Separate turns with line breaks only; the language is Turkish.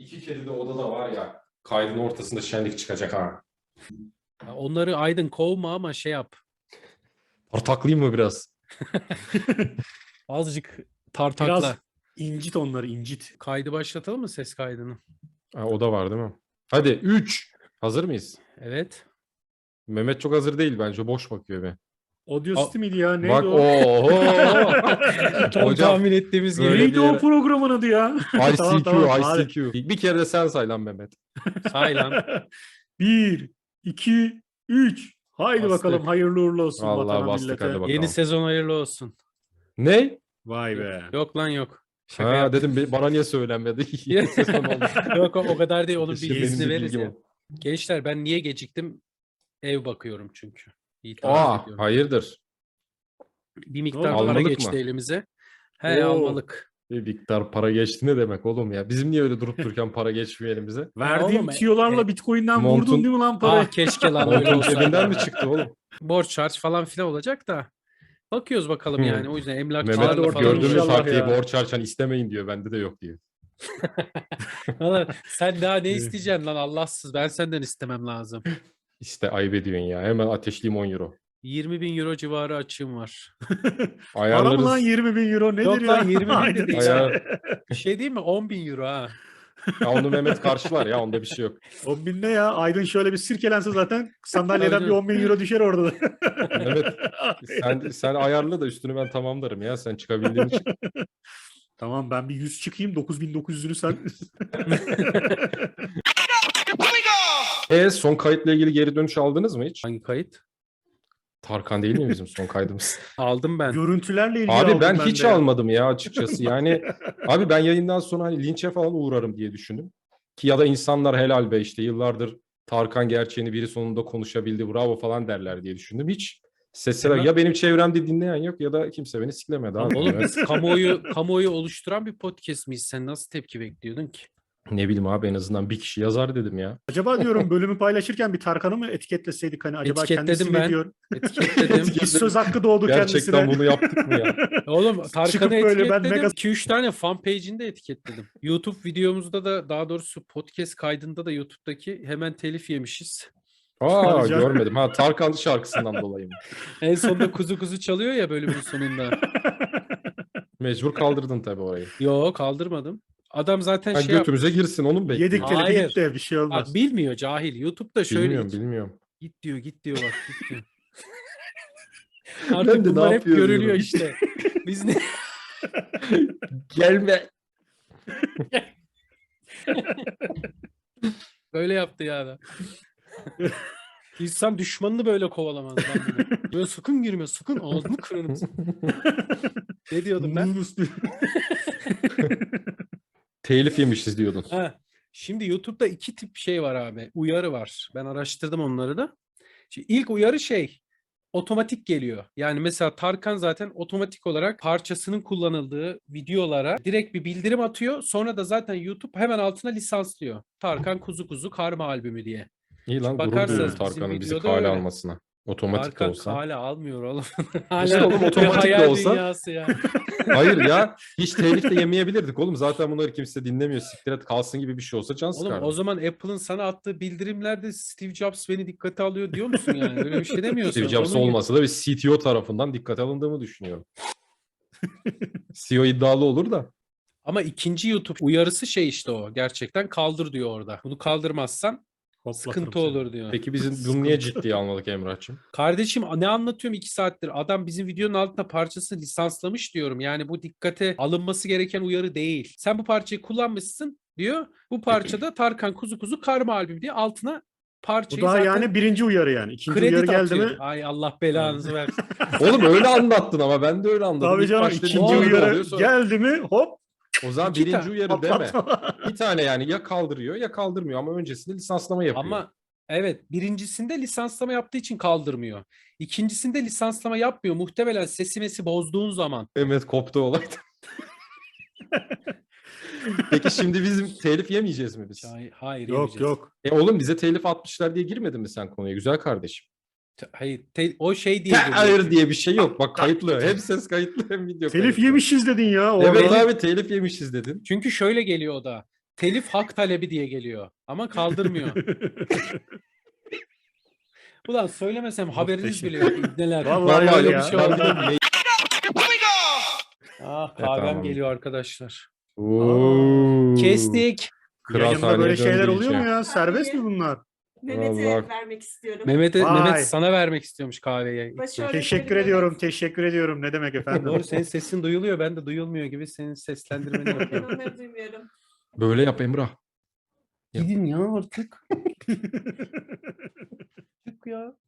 İki kedi de odada var ya. Kaydın ortasında şenlik çıkacak ha.
Ya onları Aydın kovma ama şey yap.
Tartaklayayım mı biraz?
Azıcık tartakla.
Biraz incit onları, incit.
Kaydı başlatalım mı, ses kaydını?
Ha, o da var değil mi? Hadi 3. Hazır mıyız?
Evet.
Mehmet çok hazır değil bence. Boş bakıyor be.
Audacity miydi ya? Neydi
Bak
o?
Tam
Hocam,
tahmin ettiğimiz gibi.
böyle
Neydi
bir
o
yere-
programın adı ya?
ICQ,
Tamam, hadi.
ICQ. Bir kere de sen say lan Mehmet.
Say lan.
1, 2, 3. Haydi
Bastık.
bakalım, hayırlı uğurlu olsun
Vallahi
vatana
bastık,
millete.
hadi bakalım.
Yeni sezon hayırlı olsun.
Ne?
Vay be.
Yok lan yok. Şaka
Ha
yaptım.
dedim bana niye söylenmedi? Yeni sezon oldu.
Yok o kadar değil. Onun
Keşke benim
bilgisini
de
veririz
bilgim
ya.
oldu.
Gençler ben niye geciktim? Ev bakıyorum çünkü. İtiraf
Aa,
ediyorum.
hayırdır?
Bir miktar
Ne oldu?
para
Almalık
geçti
mı?
elimize. He
Oo.
almalık.
Bir miktar para geçti ne demek oğlum ya? Bizim niye öyle durup dururken para geçmiyor elimize?
Verdiğim
oğlum,
tiyolarla Bitcoin'den
montun-
vurdun değil mi lan parayı?
Ah keşke lan öyle
Montun
olsaydı.
cebinden mi çıktı oğlum?
Borç harç falan filan olacak da. Bakıyoruz bakalım
Hmm.
yani. O yüzden
Mehmet
emlakçılarla
orada
falan
gördüğümüz
inşallah
harfiye
ya.
borç harçan istemeyin diyor. Bende de yok diyor.
Valla sen daha ne isteyeceksin lan Allahsız. Ben senden istemem lazım.
İşte ayıp ediyorsun ya. Hemen ateşleyeyim 10 euro.
20.000 euro civarı açığım var.
Para
Ayarlarız.
mı lan 20 bin euro nedir
Yok
ya?
lan 20 bin de
Aynen.
değil.
Ayar...
Bir şey değil mi? 10.000 euro ha.
Ya onu Mehmet karşılar ya. Onda bir şey yok.
10 bin ne ya? Aydın şöyle bir sirkelense zaten sandalyeden
Tabii
bir 10 bin euro düşer orada da.
Mehmet sen ayarla da üstünü ben tamamlarım ya. Sen çıkabildiğin için.
Tamam, ben bir 100 çıkayım, 9.900'ünü sen.
Son kayıtla ilgili geri dönüş aldınız mı hiç?
Hangi kayıt?
Tarkan değil mi bizim son kaydımız?
Aldım ben.
Görüntülerle ilgili
Abi
aldım
ben hiç
de.
almadım ya açıkçası. Yani abi ben yayından sonra hani linçe falan uğrarım diye düşündüm. Ki ya da insanlar helal be işte yıllardır Tarkan gerçeğini biri sonunda konuşabildi bravo falan derler diye düşündüm. Hiç sesler
Hemen-
ya benim çevremde dinleyen yok ya da kimse beni siklemedi abi.
Oğlum
Evet.
biz kamuoyu oluşturan bir podcast miyiz? Sen nasıl tepki bekliyordun ki?
Ne bileyim abi en azından bir kişi yazar dedim ya.
Acaba diyorum bölümü paylaşırken bir Tarkan'ı mı etiketleseydik, hani acaba kendisi
Etiketledim
ne
ben.
diyor?
Etiketledim.
Bir söz hakkı doğdu
Gerçekten
kendisine.
bunu yaptık mı ya?
Oğlum
Çıkıp
Tarkan'ı
böyle ben
etiketledim.
mega-
2-3 tane fan page'ini de etiketledim. YouTube videomuzda da, daha doğrusu podcast kaydında da YouTube'daki hemen telif yemişiz.
Aa
Tabii canım.
görmedim. Ha Tarkan şarkısından dolayı mı?
En sonunda kuzu kuzu çalıyor ya bölümün sonunda.
Mecbur kaldırdın tabii orayı.
Yo kaldırmadım. Adam zaten
Ha,
şey yaptı.
götümüze girsin onu mu bekliyorsun?
Yedik telifi
Hayır.
gitti, bir şey olmaz.
Bak, bilmiyor cahil. YouTube'da şöyle
Bilmiyorum.
git diyor bak git diyor.
Ben
Artık
de ne
bunlar hep
yapıyor
görülüyor
diyorum.
işte. Biz ne?
Gelme.
Böyle yaptı ya da. İnsan düşmanını böyle kovalamaz lan böyle. Böyle sakın girme sakın ağzını kırarım. Ne diyordum ben?
Telif yemişiz diyordun.
Ha, şimdi YouTube'da iki tip şey var abi. Uyarı var. Ben araştırdım onları da. Şimdi ilk uyarı otomatik geliyor. Yani mesela Tarkan zaten otomatik olarak parçasının kullanıldığı videolara direkt bir bildirim atıyor. Sonra da zaten YouTube hemen altına lisanslıyor. Tarkan Kuzu Kuzu Karma albümü diye.
İyi lan gurur
bakarsanız
duyuyorum
bizim
Tarkan'ın bizi
videoda
kale
öyle.
almasına. Otomatik de
Tarkan
olsa.
hala almıyor oğlum.
İşte
Hala
oğlum
bir
otomatik de
hayal
olsa.
dünyası ya.
Hayır ya hiç telif de yemeyebilirdik oğlum. Zaten bunları kimse dinlemiyor. Siktir et kalsın gibi bir şey olsa can
Oğlum
sıkardı.
o zaman Apple'ın sana attığı bildirimlerde Steve Jobs beni dikkate alıyor diyor musun yani? Öyle bir şey demiyorsun.
Steve Jobs
Onun gibi-
olmasa da bir CTO tarafından dikkate alındığımı düşünüyorum. CEO iddialı olur da.
Ama ikinci YouTube uyarısı işte o. Gerçekten kaldır diyor orada. Bunu kaldırmazsan sıkıntı olur diyor.
Peki bizim bunu niye ciddiye almadık Emrah'cığım?
Kardeşim ne anlatıyorum 2 saattir? Adam bizim videonun altına parçasını lisanslamış diyorum. Yani bu dikkate alınması gereken uyarı değil. Sen bu parçayı kullanmışsın diyor. Bu parçada Tarkan Kuzu Kuzu Karma albüm diye altına
Bu
parçayı
daha
zaten
yani birinci uyarı yani. İkinci
kredi
uyarı geldi
atıyor.
mi?
Ay Allah belanızı versin.
Oğlum öyle anlattın ama ben de öyle anladım.
Tabii
İlk
canım,
başta
ikinci
uyarı
uyarı
oluyor, sonra-
geldi mi hop
O zaman
İki
birinci uyarı deme.
patlatma.
Bir tane yani ya kaldırıyor ya kaldırmıyor ama öncesinde lisanslama yapıyor.
Ama evet, birincisinde lisanslama yaptığı için kaldırmıyor. İkincisinde lisanslama yapmıyor. Muhtemelen sesi bozduğun zaman.
Mehmet koptu olaydı. Peki şimdi bizim telif yemeyeceğiz mi biz?
Hayır
Yok
yemeyeceğiz.
yok.
Oğlum bize telif atmışlar diye girmedin mi sen konuya güzel kardeşim?
Hayır o şey diye
Hayır
geliyor.
diye bir şey yok. Bak kayıtlı. Hem ses kayıtlı hem video
Telif
kayıtlı.
yemişiz dedin ya.
Evet
orada.
abi telif yemişiz dedin.
Çünkü şöyle geliyor o da. telif hak talebi diye geliyor. Ama kaldırmıyor. Ulan söylemesem haberiniz
Muhteşem.
bile yok. İbneler.
Vallahi
Vallahi
öyle
yok
ya.
bir şey oldu.
Ah kahvem
tamam.
geliyor arkadaşlar.
Oo.
Kestik.
Yayında böyle
Kıraathaneye
şeyler
döndü
oluyor mu
iyice.
ya? Serbest mi bunlar?
Mehmet'e
Vallahi.
vermek istiyorum.
Vay.
Mehmet sana vermek istiyormuş kahveyi.
Başarılı.
Teşekkür ediyorum. Teşekkür ediyorum. Ne demek efendim?
Doğru senin sesin duyuluyor. Ben de duyulmuyor gibi senin seslendirmeni
Ben
yapıyorum.
onları duymuyorum.
Böyle yap Emrah.
Gidin ya artık. Çık ya.